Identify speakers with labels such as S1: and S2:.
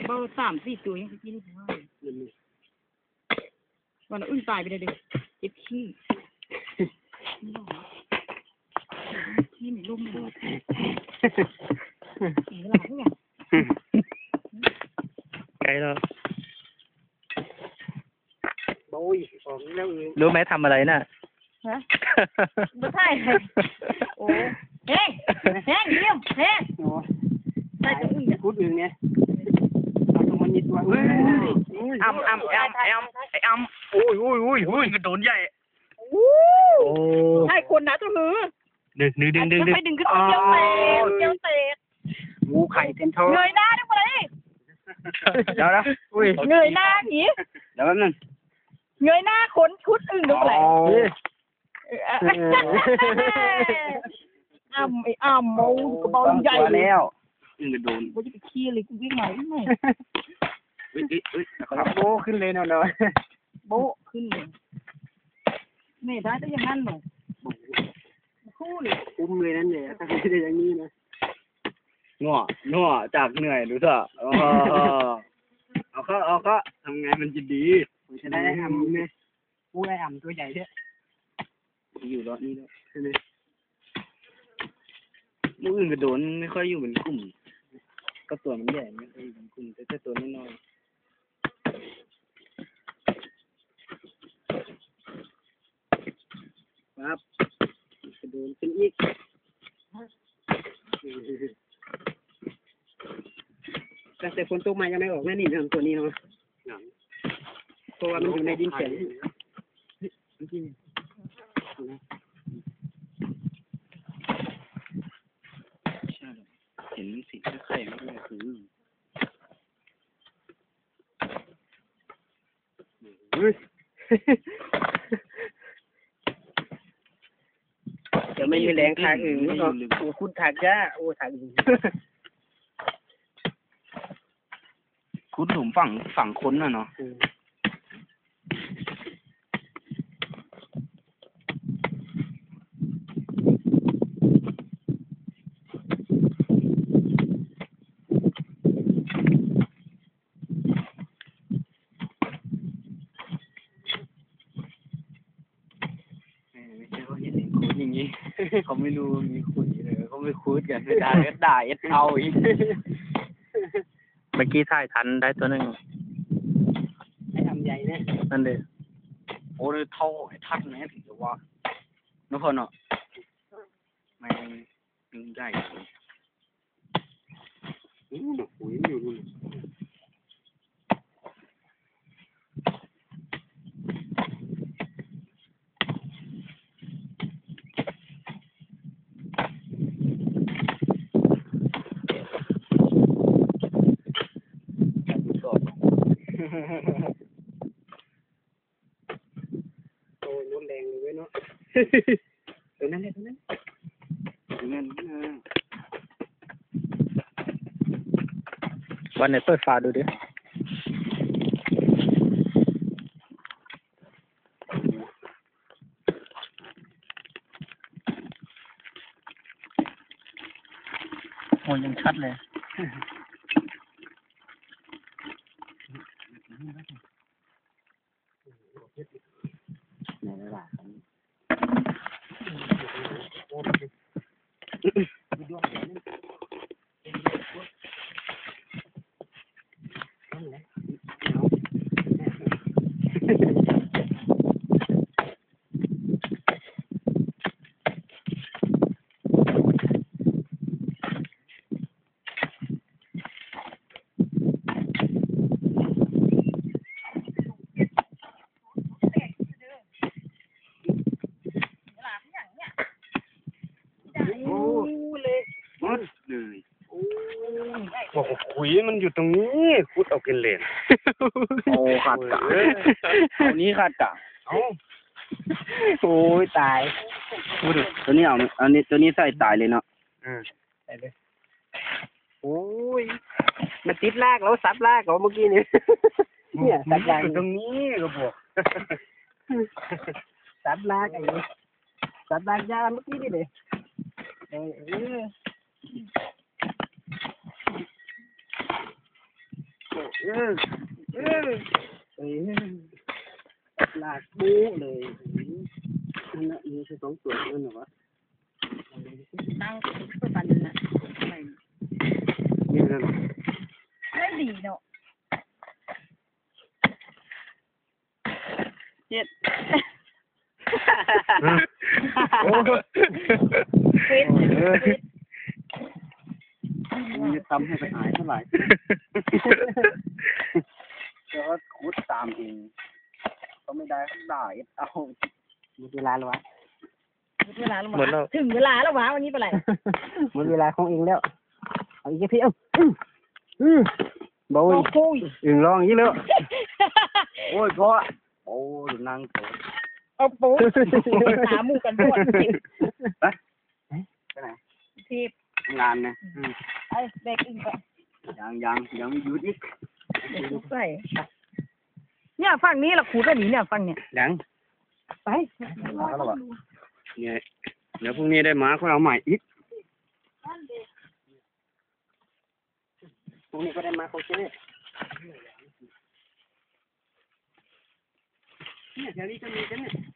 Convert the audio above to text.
S1: เบา3-4 ตัวยังกินได้วันอึ้งตายไปเลยเด็กเจ็บขี้ขี้ไม่ลุ่มเลยเวลาเท่าไหร่
S2: ไกลแล้ว
S3: โอ้ยผมแล้ว
S2: รู้ไหมทำอะไรน่ะ
S1: ฮะไม่ใช่โอ้เฮ้งเฮ้งเยี่ยมเฮ้งใช่ตัวอึ้งเนี่ย
S3: พูดอึ้งเนี่ยตรงมันนิดว่า
S1: อ้ำ
S2: โอ้ยกระโดนใหญ่
S1: ใช่คนนะตัวหือ
S2: ดึง
S1: ไปดึงขึ้นเจียวเตะ
S3: งูไข่เต็มท้อง
S1: เงยหน้าด้วยเลย
S2: เดี๋ยวนะ
S1: เงยหน้าหนี
S3: เดี๋ยวแป๊บนึง
S1: เงยหน้าขนชุดอึ้งด้วยเลยอ้ำโมกระเป๋าใหญ่
S3: แล้วอึ้งกระโดน
S1: กูจะไปขี้เลยกูวิ่งไหนไม่
S3: โบขึ้นเลยเนาะ
S1: โบขึ้นเลยไม่ได้แต่อย่างนั้นหนูคู่เลย
S3: อุ้มเลยนั่นเลยถ้าไม่ได้อย่างนี้นะ
S2: งัวจากเหนื่อยดูเถอะเอาก็ทำไงมันจะดี
S3: จะได้ทำเนี่ยผู้ได้ทำตัวใหญ่เนี่ย
S2: อยู่รอดนี่แล้วใช่ไหมลูกอื่นกระโดนไม่ค่อยอยู่เป็นกลุ่มก็ตัวมันใหญ่ไม่ค่อยอยู่เป็นกลุ่มแต่ตัวน้อย
S3: ครับกระโดนขึ้นอีกตั้งแต่ฝนตกมายังไม่ออกแน่นี่ทำตัวนี้เนาะเพราะว่ามันอยู่ในดินแข็ง
S2: เห็นสีไข่ไม่เลยคือ
S3: จะไม่มีแรงทางอื่นโอ้คุณถักจ้าโอ้ถักอื่น
S2: คุดหลุมฝั่งค้นน่ะเนาะอย่างนี้เขาไม่รู้มีคุยเลยเขาไม่คุยกันไม่ได้ก็ด่าเอ็ดเอาอีกเมื่อกี้ถ่ายทันได้ตัวนึง
S3: ให้ทำใหญ่เนี่ย
S2: นั่นเลยโอ้ยเท่าไอ้ทัดเนี่ยถึงจะว่าน้องคนเนาะไม่ดึงใหญ่
S3: ปุ๋ยอยู่โอ้ยน้ำแดงเลยเนาะตัวนั้นเลยตัวนั้น
S2: วันไหนเปิดฝาดูดิโอ้ยังชัดเลย
S3: ไหนล่ะบอกขุยมันอยู่ตรงนี้คุดเอากินเลน
S2: โอ้ขาดกะเอานี้ขาดกะ
S3: โอ้ยตาย
S2: ตัวนี้เอาอันนี้ตัวนี้ใส่ตายเลยเนาะ
S3: ใส่เลยโอ้ยมันติดลากแล้วซับลากเมื่อกี้นี่เนี่ยซับลาก
S2: ตรงนี้ก็บอก
S3: ซับลากไอ้นี่ซับลากยาเมื่อกี้นี่เลยลากบู๊เลยนั่นแหละมีแค่2ตัวนั่นเหรอวะ
S1: ตั้งตัวปันน่ะไม่
S3: นี่นั่น
S1: ไม่ดีเนาะเจ็ด
S2: โอ้
S1: ฟิตฟิต
S3: มันจะทำให้ไปหายเท่าไหร่ก็ขุดตามเองก็ไม่ได้ก็ได้เอาหมดเวลาแล้ววะ
S1: เวลาแล้ววะถึงเวลาแล้ววะวันนี้เป็นไร
S3: หมดเวลาของเองแล้วเอาอีกพี่บ่อย
S1: โอ้ย
S3: อึ่งร้องอย่างนี้แล้ว
S2: โอ้ยพ่อโอ้ยนั่งโต
S1: เอาปูหาหมูกันปวด
S3: ไปไหน
S1: ทีบ
S3: งานนะ
S1: ไอ้เด็กอึ้งไป
S3: ยังไม่หยุดอีก
S1: ใส่เนี่ยฝั่งนี้เราขูดกันหนีเนี่ยฝั่งเนี่ย
S3: ยัง
S1: ไป
S3: มาแล้ววะเนี่ยเดี๋ยวพรุ่งนี้ได้มาก็เอาใหม่อีกพรุ่งนี้ก็ได้มาเขาเชื่อเนี่ยแถวนี้จะมีกันเนี่ย